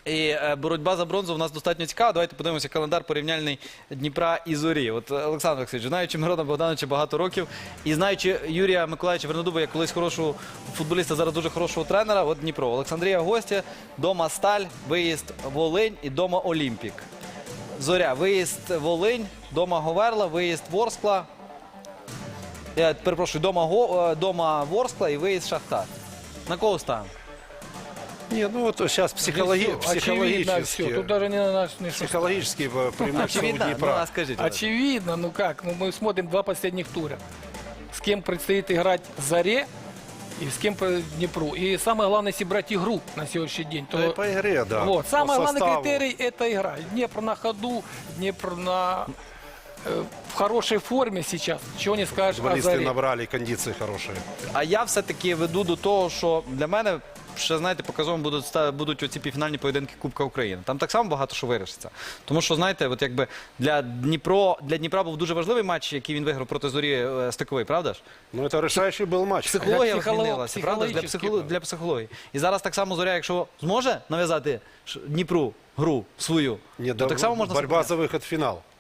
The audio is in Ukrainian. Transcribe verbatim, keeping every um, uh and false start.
І е, боротьба за бронзу в нас достатньо цікава. Давайте подивимося календар порівняльний Дніпра і Зорі. От Олександр Олексійович, знаючи Мирона Богдановича багато років і знаючи Юрія Миколаївича Вернодуба як колись хорошого футболіста, зараз дуже хорошого тренера, от Дніпро. Олександрія гостя, дома Сталь, виїзд Волинь і дома Олімпік. Зоря, виїзд Волинь, дома Говерла, виїзд Ворскла. Я перепрошую, дома, Го, дома Ворскла і виїзд Шахтар. На кого ставимо? Не, ну вот сейчас психологи... Очевидно психологически, все. Тут даже не наш не психологически преимущество у Очевидно? Ну, Днепра. а скажите. Очевидно, ну как? Ну, мы смотрим два последних тура. С кем предстоит играть Заре и с кем по Днепру. И самое главное, если брать игру на сегодняшний день, то Да и по игре, да. вот, по самый главный составу. критерий – это игра. Днепр на ходу, Днепр на, э, в хорошей форме сейчас. Чего не скажешь о Футболисты Заре. набрали, кондиции хорошие. А я все-таки веду до того, що для мене ще, знаєте, показовим будуть, ста- будуть оці півфінальні поєдинки Кубка України. Там так само багато що вирішиться. Тому що, знаєте, от якби для, Дніпро, для Дніпра був дуже важливий матч, який він виграв проти Зорі е, стиковий, правда ж? Ну, это решающий был матч. Психологія Для психоло- змінилася, правда ж? Для, психологічно. психоло- для психології. І зараз так само Зоря, якщо зможе нав'язати ш- Дніпру гру свою, Не, то да, так само можна... борьба зупиняти. за выход в финал.